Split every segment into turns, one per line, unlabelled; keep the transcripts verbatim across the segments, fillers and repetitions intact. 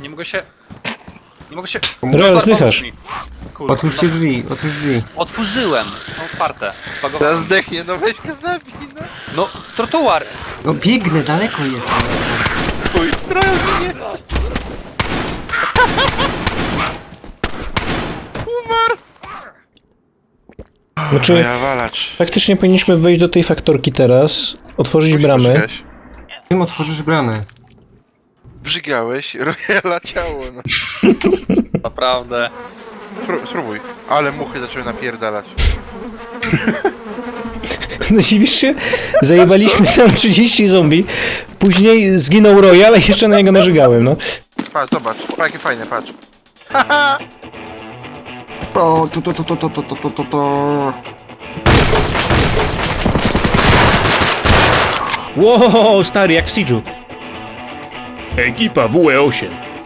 Nie mogę się... Nie mogę się...
Real, zdychasz.
Kurde,
Otwórzcie drzwi, otwórz drzwi.
Otworzyłem. Otwarte.
Teraz
Zbagowałem.
zdechnie, no weź go zabij, no.
No, trotuar.
No biegnę, daleko jest.
Chuj, trochę mnie. Umarł.
Znaczy,
Ja walacz.
faktycznie powinniśmy wejść do tej faktorki teraz, otworzyć bramę.
Poczekać.
Tym otworzysz bramę.
Brzygałeś, Royala ciało, no.
Naprawdę.
Spró- Spróbuj. Ale muchy zaczęły napierdalać.
No dziwisz się? Zajebaliśmy tam trzydzieści zombie, później zginął Royal, a jeszcze na niego narzygałem, no.
Patrz, zobacz. Patrz, jakie fajne, patrz.
O, to, to, to, to, to, to, to, to, to, to.
Wow, stary, jak w Siege'u. Ekipa W E osiem.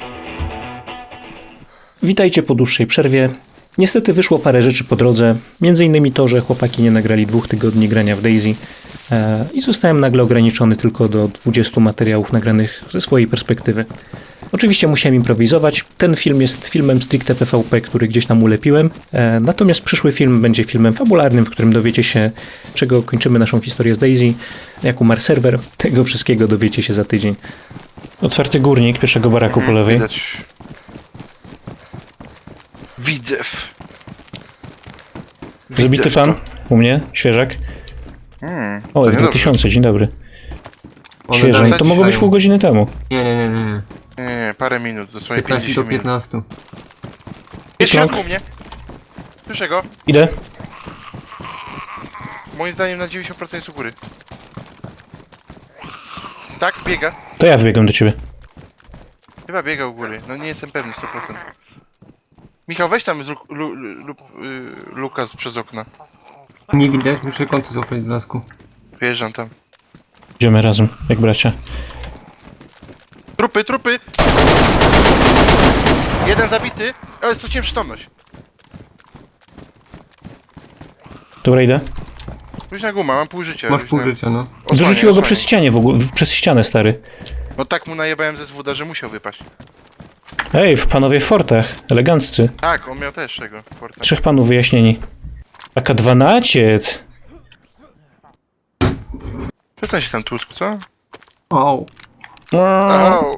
Witajcie po dłuższej przerwie. Niestety wyszło parę rzeczy po drodze, między innymi to, że chłopaki nie nagrali dwóch tygodni grania w Daisy e, i zostałem nagle ograniczony tylko do dwudziestu materiałów nagranych ze swojej perspektywy. Oczywiście musiałem improwizować. Ten film jest filmem stricte P V P, który gdzieś tam ulepiłem, e, natomiast przyszły film będzie filmem fabularnym, w którym dowiecie się, czego kończymy naszą historię z Daisy, jak umarł serwer. Tego wszystkiego dowiecie się za tydzień. Otwarty górnik pierwszego baraku po lewej.
Widać. Widzew.
Zabity
Widzew
pan?
to.
U mnie? Świeżak?
Hmm,
O,
to
F dwa tysiące, dzień dobry.
One
Świeżak,
dalej
to mogło być
trwają.
pół godziny temu.
Nie, nie, nie, nie, nie.
Nie, nie, parę minut, dosłownie
piętnaście do
pięćdziesiąt minut.
piętnastu.
Jest w
Kląk.
środku u mnie. Słyszę go.
Idę.
Moim zdaniem na dziewięćdziesiąt procent jest u góry. Tak, biega.
To ja wybiegam do ciebie.
Chyba biega u góry. No nie jestem pewny sto procent. Michał, weź tam luk, lu, lu, y, Lukas przez okno.
Nie widać, muszę kąty złapać z lasku.
Wjeżdżam tam.
Idziemy razem, jak bracia.
Trupy, trupy! Jeden zabity, ale straciłem przytomność.
Dobra, idę.
Luźna guma, mam pół życia.
Masz
luźna-
pół życia, no.
Osłaniaj,
Dorzuciło go
osłaniaj.
przez ścianę w ogóle, w- przez ścianę, stary.
No tak mu najebałem ze zwóda, że musiał wypaść.
Ej, w panowie w fortach, eleganccy.
Tak, on miał też tego. Porta.
Trzech panów wyjaśnieni. A K dwanaście.
Przestań się tam tłuczku, co?
O,
Au.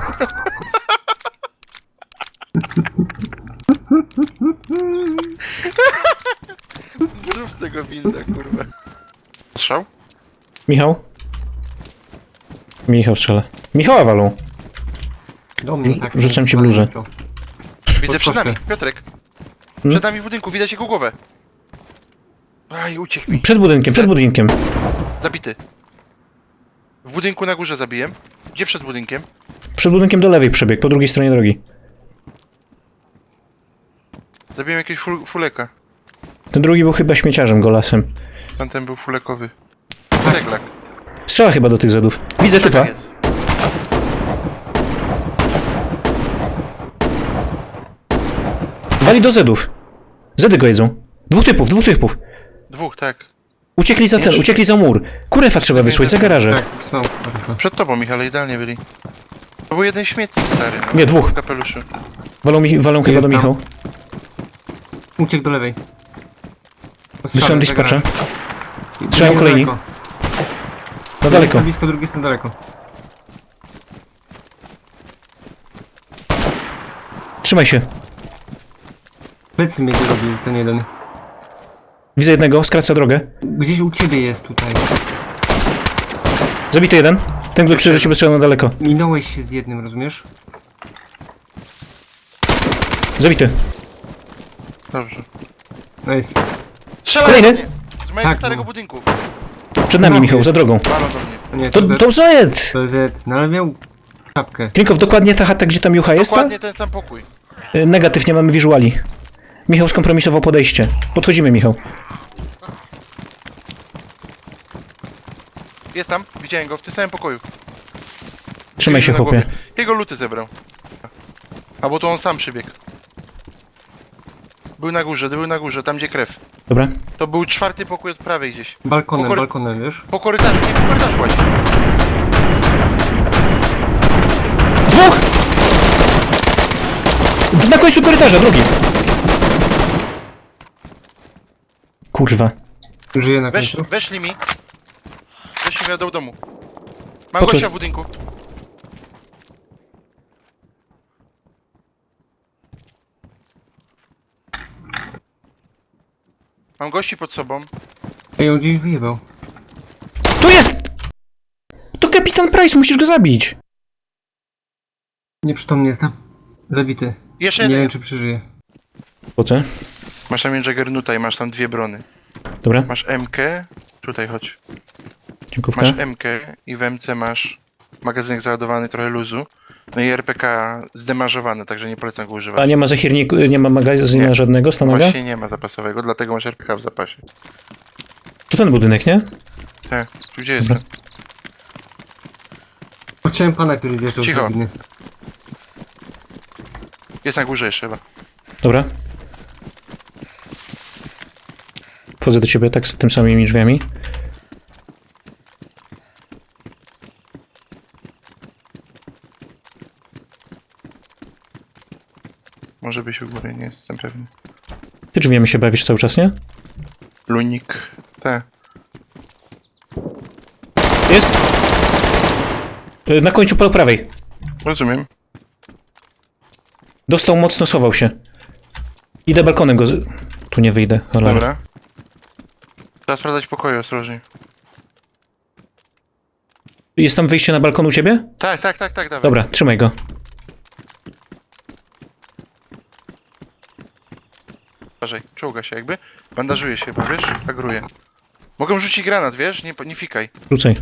Zrób z tego winda, kurwa. Strzał?
Michał? Michał strzela. Michała walą.
do mnie tak.
Rzucam ci bluzę.
Widzę przed
Podskoczę.
nami, Piotrek.
Hmm?
Przed nami w budynku, widać jego głowę. Aj, uciekł mi.
Przed budynkiem, przed budynkiem.
Zabity. W budynku na górze zabiłem. Gdzie przed budynkiem?
Przed budynkiem do lewej przebieg, po drugiej stronie drogi.
Zabiłem jakiegoś ful fuleka.
Ten drugi był chyba śmieciarzem, golasem.
Tamten był fulekowy. Ceglak.
Strzela chyba do tych zedów. Widzę typa.
Czekaj, jest.
Wali do zedów. Zedy go jedzą. Dwóch typów, dwóch typów.
Dwóch, tak.
Uciekli za ten, uciekli za mur. Kurefa trzeba wysłać, za garaże.
Tak, słucham. kurwa.
Przed tobą, Michale, idealnie byli. To był jeden śmietnik stary. No.
Nie, dwóch.
W kapeluszu.
Walą, mi, walą chyba do
Jest tam.
Michał.
Uciekł do lewej.
Wysyłam dispatcha.
Drugi
Strzelają
na
kolejni.
daleko.
Na
Jeden jest
daleko.
na blisko, drugi jest na daleko.
Trzymaj się.
Plecy mnie zrobił ten jeden.
Widzę jednego, skraca drogę.
Gdzieś u ciebie jest tutaj.
Zabity jeden. Ten, który do ciebie strzelał na daleko.
Minąłeś się z jednym, rozumiesz?
Zabity.
Dobrze.
Nice.
Strzelaj
Kolejny?
do mnie! Z mojego
Tak,
starego
no.
budynku.
Przed nami,
No,
Michał,
jest.
za drogą.
Balon do mnie.
To nie,
To,
to, Z.
to Zed!
To Z. No ale miał czapkę.
Klinkow, dokładnie ta chata, gdzie tam Jucha jest, ta?
Dokładnie ten sam pokój.
Y, Negatyw, nie mamy wizuali. Michał skompromisował podejście. Podchodzimy, Michał.
Jest tam, widziałem go w tym samym pokoju.
Trzymaj się,
Na
chłopie.
głowie. Jego luty zebrał. Albo to on sam przybiegł. Był na górze, był na górze, tam gdzie krew.
Dobra.
To był czwarty pokój od prawej gdzieś.
Balkonem,
Pokory-
balkonem, wiesz?
Po korytarzu, nie, po korytarzu właśnie.
Dwóch! Na końcu korytarza, drugi. Kurwa.
Żyje na
Wesz,
końcu.
weszli mi. Weszli mi do domu. Mam
Po co-
gościa w budynku. Mam gości pod sobą.
Ej, on gdzieś wyjebał.
Tu jest! To kapitan Price, musisz go zabić.
Nieprzytomny jest tam. Zabity.
Jeszcze
Nie
jeden.
wiem, czy przeżyje.
Po co?
Masz tam Jaggernuta i masz tam dwie brony.
Dobra,
Masz M K. Tutaj chodź.
dziękówka.
Masz M K i w M C masz magazynek załadowany, trochę luzu. No i R P K zdemażowany, także nie polecam go używać.
A nie ma zachirniku, nie ma magazyna
Nie.
żadnego, stanaga?
Właśnie nie ma zapasowego, dlatego masz R P K w zapasie.
To ten budynek, nie?
Tak, tu gdzie
Dobra.
jestem?
Chciałem pana, który zjeżdżał z
Cicho.
drabiny.
Jest na górze jeszcze chyba.
Dobra. Wchodzę do ciebie tak z tym samymi drzwiami.
Może być u góry, nie jestem pewny.
Ty drzwiami się bawisz cały czas, nie?
Lunik. Te.
Jest! Y, Na końcu po prawej.
Rozumiem.
Dostał mocno, sował się. Idę balkonem go z... Tu nie wyjdę, ale...
Dobra. Trzeba sprawdzać pokoju, ostrożnie.
Jest tam wyjście na balkon u ciebie?
Tak, tak, tak, tak, dawaj.
Dobra, trzymaj go.
Uważaj, czołga się jakby. Bandażuje się, bo wiesz, agruje. Mogę rzucić granat, wiesz? Nie, nie fikaj.
Rzucaj.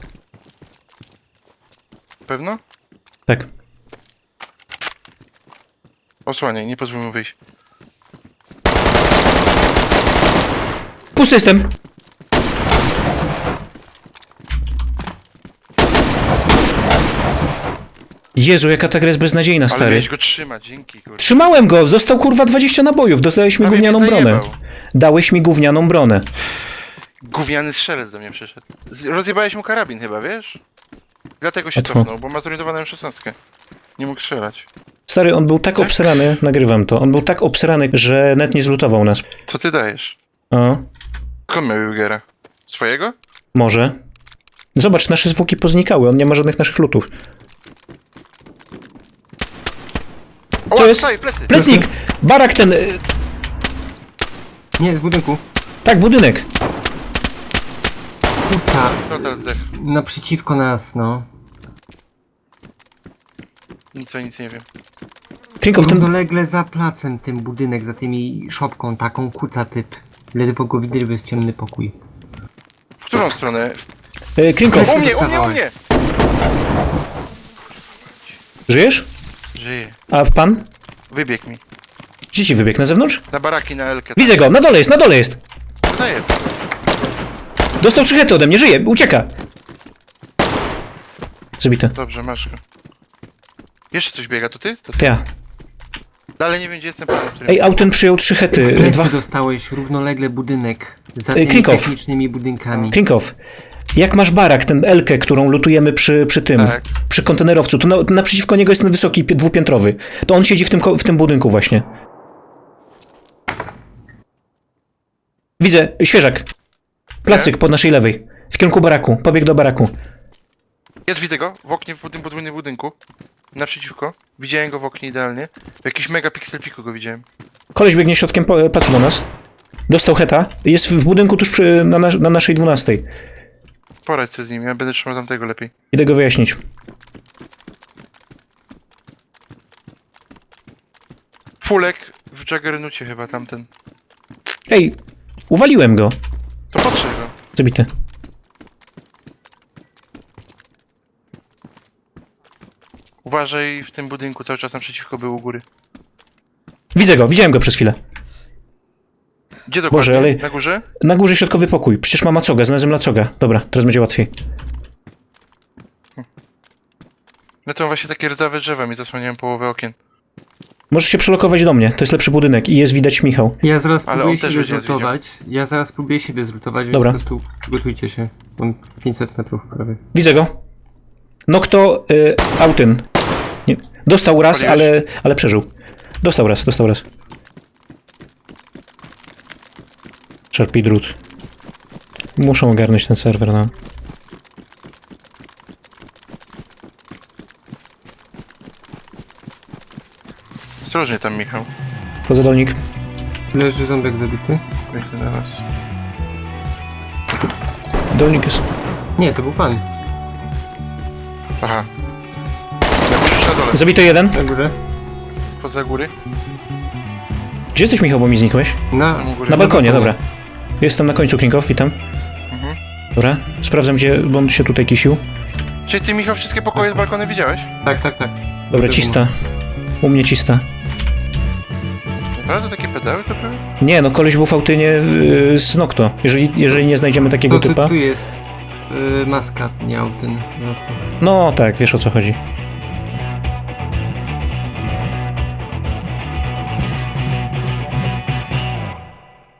Pewno?
Tak.
Osłaniaj, nie pozwól mu wyjść.
Pusty jestem! Jezu, jaka ta gra jest beznadziejna,
Ale
stary.
miałeś go trzymać, dzięki, kurwa.
Trzymałem go! Dostał kurwa dwadzieścia nabojów. Dostałeś mi
Prawie
gównianą
mnie
bronę.
zajebał.
Dałeś mi gównianą bronę.
Gówniany strzelec do mnie przyszedł. Z- Rozjebałeś mu karabin chyba, wiesz? Dlatego się
Łatwo.
cofnął, bo ma zorientowaną M szesnaście. Nie mógł strzelać.
Stary, on był tak
Tak?
obsrany, nagrywam to, on był tak obsrany, że net nie zlutował nas.
Co ty dajesz?
O,
Skąd miał Jugera? Swojego?
może. Zobacz, nasze zwłoki poznikały, on nie ma żadnych naszych lutów.
O,
Co jest?
Stoi, plecy!
Plecnik! Barak ten... y,
Nie, z budynku.
Tak, budynek.
Kuca.
No teraz zdech.
Naprzeciwko nas, no.
Nic o nic nie wiem.
Krinkow, ten...
Równolegle za placem ten budynek, za tymi szopką taką, kuca typ. Ledwo go widać, bo jest ciemny pokój.
W którą stronę?
Y, Krinkow,
U mnie, u mnie, u mnie!
żyjesz?
Żyje.
A pan?
Wybiegł mi.
Gdzie ci wybiegł? Na zewnątrz?
Na baraki, na Elkę.
Widzę go, na dole jest, na dole jest!
Zajeb.
Dostał trzy hety ode mnie, żyje, ucieka! Zabity.
Dobrze, masz go. Jeszcze coś biega, to ty? To ty?
To ja.
Dalej nie wiem, gdzie jestem. pewien, który-
Ej, Auten przyjął trzy
W
hety.
plecy
Dwa...
dostałeś równolegle budynek. Za
Ej,
tymi
Krinkow.
technicznymi budynkami.
Krinkow, jak masz barak, ten Elkę, którą lutujemy przy, przy tym,
Tak.
przy kontenerowcu, to na, naprzeciwko niego jest ten wysoki, pi- dwupiętrowy. To on siedzi w tym, ko- w tym budynku właśnie. Widzę, świeżak. Placyk po naszej lewej. W kierunku baraku. Pobiegł do baraku.
Jest, widzę go. W oknie, w tym podwójnym budynku. Naprzeciwko. Widziałem go w oknie idealnie. W jakimś megapixel piku go widziałem.
Koleś biegnie środkiem po- placu do nas. Dostał heta. Jest w budynku tuż przy, na, nas- na naszej dwunastej.
Poradź sobie z nim, ja będę trzymał tamtego lepiej.
Idę go wyjaśnić.
Fulek w Jaggernucie chyba tamten.
Ej, uwaliłem go.
To patrzę go.
Zabity.
Uważaj, w tym budynku cały czas naprzeciwko był u góry.
Widzę go, widziałem go przez chwilę.
Gdzie dokładnie?
Boże, ale-
Na górze?
Na górze środkowy pokój. Przecież ma macoga, znalazłem macoga. Dobra, teraz będzie łatwiej.
No to właśnie takie rdzawe drzewa mi zasłaniają połowę okien.
Możesz się przelokować do mnie, to jest lepszy budynek i jest widać Michał.
Ja zaraz
Ale
próbuję
on też
siebie
będzie nas
zlutować. Ja zaraz próbuję siebie zlutować, więc
Dobra.
po prostu przygotujcie się. Mam pięćset metrów prawie.
Widzę go. No kto? Y, Autyn. Nie. Dostał raz,
Paliłeś?
ale, ale przeżył. Dostał raz, dostał raz. Czerpi drut. Muszą ogarnąć ten serwer, no.
Ostrożnie tam, Michał.
Wchodzę dolnik.
Leży ząbek zabity.
Biegnę na was.
Dolnik jest...
Nie, to był pan.
Aha. Na górze czy na dole?
Zabito jeden.
Na górze.
Poza góry?
Gdzie jesteś, Michał, bo mi znikłeś?
Na,
Są u góry.
Na balkonie,
balkonie.
dobra. Jestem na końcu, Klinkow, witam.
Mhm.
Dobra, sprawdzam, gdzie, bo on się tutaj kisił.
Czyli ty, Michał, wszystkie pokoje z balkony widziałeś?
tak, tak, tak.
Dobra, cista. U mnie cista.
Naprawdę takie pedały to były?
Nie, no koleś był w autynie yy, z Nocto. Jeżeli, jeżeli nie znajdziemy takiego
To tu,
typa...
tu jest y, maska, nie autyn. No.
No tak, wiesz o co chodzi.